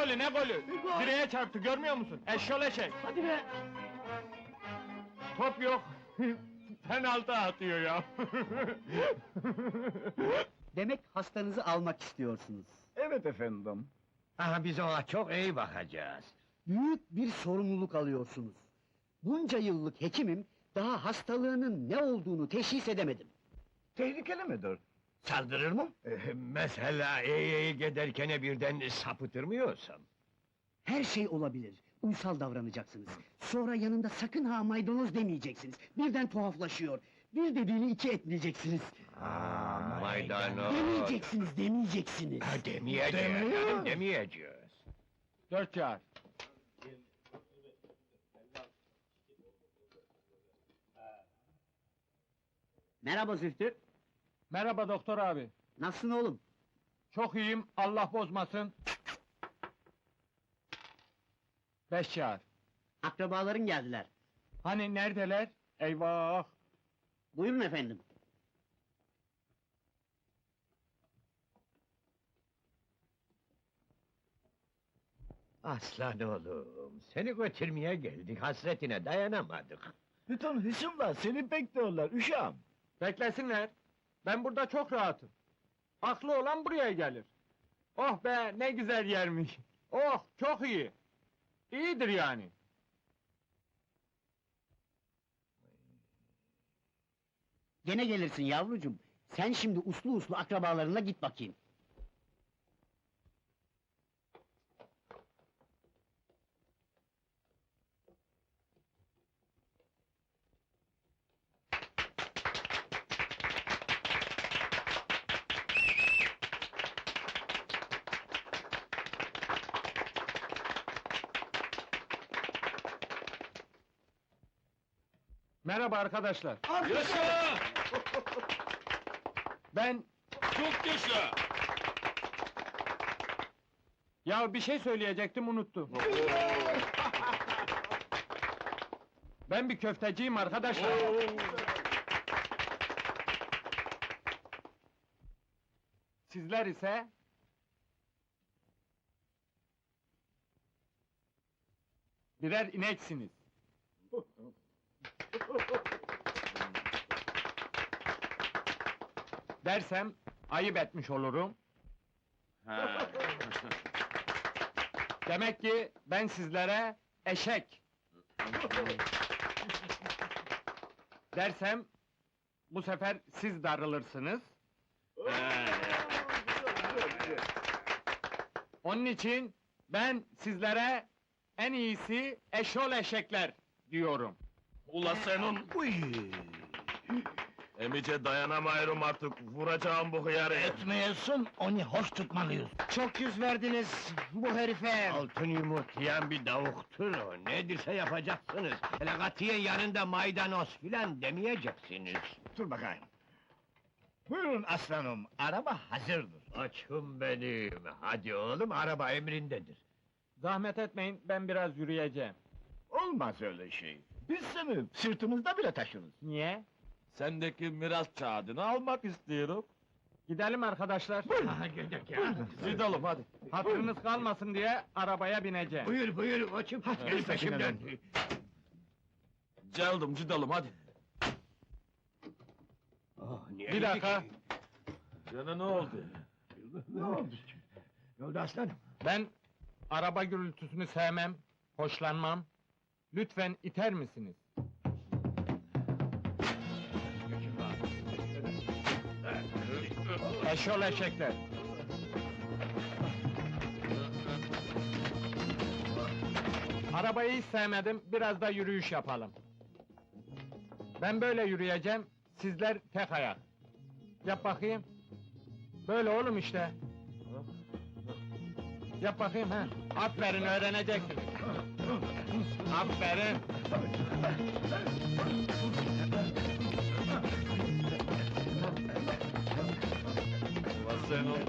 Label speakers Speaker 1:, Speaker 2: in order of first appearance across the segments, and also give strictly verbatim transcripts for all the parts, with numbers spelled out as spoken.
Speaker 1: golü, ne golü?
Speaker 2: gol.
Speaker 1: Direğe çarptı, görmüyor musun? Eşşol eşek!
Speaker 2: Hadi be!
Speaker 1: Top yok! Penaltı atıyor ya!
Speaker 2: Demek hastanızı almak istiyorsunuz.
Speaker 3: Evet efendim.
Speaker 4: Aha, biz ona çok iyi bakacağız.
Speaker 2: Büyük bir sorumluluk alıyorsunuz. Bunca yıllık hekimim, daha hastalığının ne olduğunu teşhis edemedim.
Speaker 3: Tehlikeli midir? Saldırır mı?
Speaker 4: Ee, mesela iyi iyi giderken birden sapıtır mı yoksam?
Speaker 2: Her şey olabilir. Uysal davranacaksınız. Sonra yanında sakın ha maydanoz demeyeceksiniz. Birden tuhaflaşıyor. Bir dediğini iki etmeyeceksiniz.
Speaker 4: Aa, maydanoz.
Speaker 2: Demeyeceksiniz, demeyeceksiniz.
Speaker 4: Ha, demeyeceğiz,
Speaker 3: Demiyor.
Speaker 4: canım, demeyeceğiz.
Speaker 1: Dört çağır.
Speaker 2: Merhaba Zühtü.
Speaker 1: Merhaba doktor abi.
Speaker 2: Nasılsın oğlum?
Speaker 1: Çok iyiyim, Allah bozmasın. Beş çağır.
Speaker 2: Akrabaların geldiler.
Speaker 1: Hani neredeler? Eyvah!
Speaker 2: Buyurun efendim.
Speaker 4: Aslan oğlum, seni götürmeye geldik, hasretine dayanamadık.
Speaker 3: Bütün hısımlar seni bekliyorlar uşağım.
Speaker 1: Beklesinler. Ben burada çok rahatım. Aklı olan buraya gelir. Oh be, ne güzel yermiş. Oh, çok iyi. İyidir yani.
Speaker 2: Gene gelirsin yavrucuğum. Sen şimdi uslu uslu akrabalarına git bakayım.
Speaker 1: Merhaba arkadaşlar.
Speaker 5: Yaşa!
Speaker 1: Ben,
Speaker 5: Çok yaşa!
Speaker 1: ya bir şey söyleyecektim, unuttum. Ben bir köfteciyim arkadaşlar. Sizler ise... birer ineksiniz. Dersem ayıp etmiş olurum.
Speaker 5: Ha.
Speaker 1: Demek ki ben sizlere eşek dersem bu sefer siz darılırsınız. Onun için ben sizlere en iyisi eşol eşekler diyorum.
Speaker 5: Ula senin...
Speaker 3: Uy.
Speaker 5: Emice dayanamıyorum artık, vuracağım bu hıyarı.
Speaker 3: Etmeyesin, onu hoş tutmalıyız.
Speaker 2: Çok yüz verdiniz bu herife.
Speaker 4: Altın yumurtlayan bir davuktur o, nedirse yapacaksınız. Hele katiyen yanında maydanoz filan demeyeceksiniz.
Speaker 3: Dur bakayım. Buyurun aslanım, araba hazırdır.
Speaker 4: Açım benim, hadi oğlum, araba emrindedir.
Speaker 1: Zahmet etmeyin, ben biraz yürüyeceğim.
Speaker 3: Olmaz öyle şey. Biz seni sırtımızda bile taşırız.
Speaker 1: Niye?
Speaker 5: Sendeki miras kağıdını almak istiyorum.
Speaker 1: Gidelim arkadaşlar.
Speaker 4: Ha, gidelim ya.
Speaker 5: Gidelim hadi.
Speaker 1: Hatırınız kalmasın diye arabaya bineceğim.
Speaker 4: Buyur buyur açım, gel peşimden.
Speaker 5: Geldim, gidelim hadi.
Speaker 4: Oh, niye
Speaker 1: Bir dakika.
Speaker 4: gidik?
Speaker 5: Gene ne oldu?
Speaker 4: Ne oldu? Ne oldu aslanım?
Speaker 1: Ben araba gürültüsünü sevmem, hoşlanmam. Lütfen iter misiniz? Eşol eşekler. Arabayı hiç sevmedim, biraz da yürüyüş yapalım. Ben böyle yürüyeceğim, sizler tek ayak. Yap bakayım. Böyle oğlum işte. Yap bakayım ha. Aferin, öğreneceksin. Aferin.
Speaker 5: Ula senin...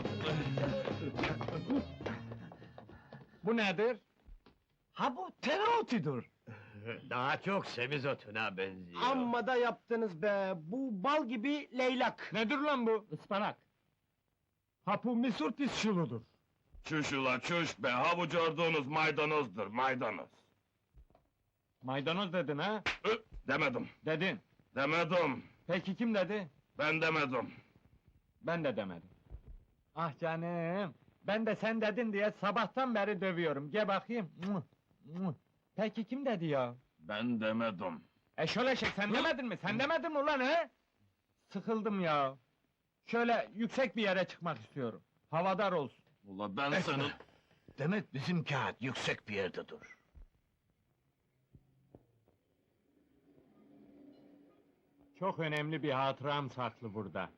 Speaker 1: Bu nedir?
Speaker 3: Ha bu tereotudur.
Speaker 4: Daha çok semizotuna benziyor.
Speaker 2: Amma da yaptınız be, bu bal gibi leylak.
Speaker 1: Nedir lan bu? Ispanak.
Speaker 3: Ha bu misurtis şuludur. Çüş ula çüş be, havuç ordunuz maydanozdur, maydanoz.
Speaker 1: Maydanoz dedin ha?
Speaker 3: Ö, demedim,
Speaker 1: Dedin.
Speaker 3: demedim,
Speaker 1: Peki kim dedi?
Speaker 3: ben demedim.
Speaker 1: Ben de demedim. Ah canım, ben de sen dedin diye sabahtan beri dövüyorum. Gel bakayım. Muh, muh. Peki kim dedi ya?
Speaker 3: Ben demedim.
Speaker 1: E şöyle şey, sen demedin mi? Sen demedin mi ulan he? Sıkıldım ya. Şöyle yüksek bir yere çıkmak istiyorum. Havadar olsun.
Speaker 3: Ula ben senin...
Speaker 4: Demek bizim kağıt yüksek bir yerde dur.
Speaker 1: Çok önemli bir hatıram saklı burada.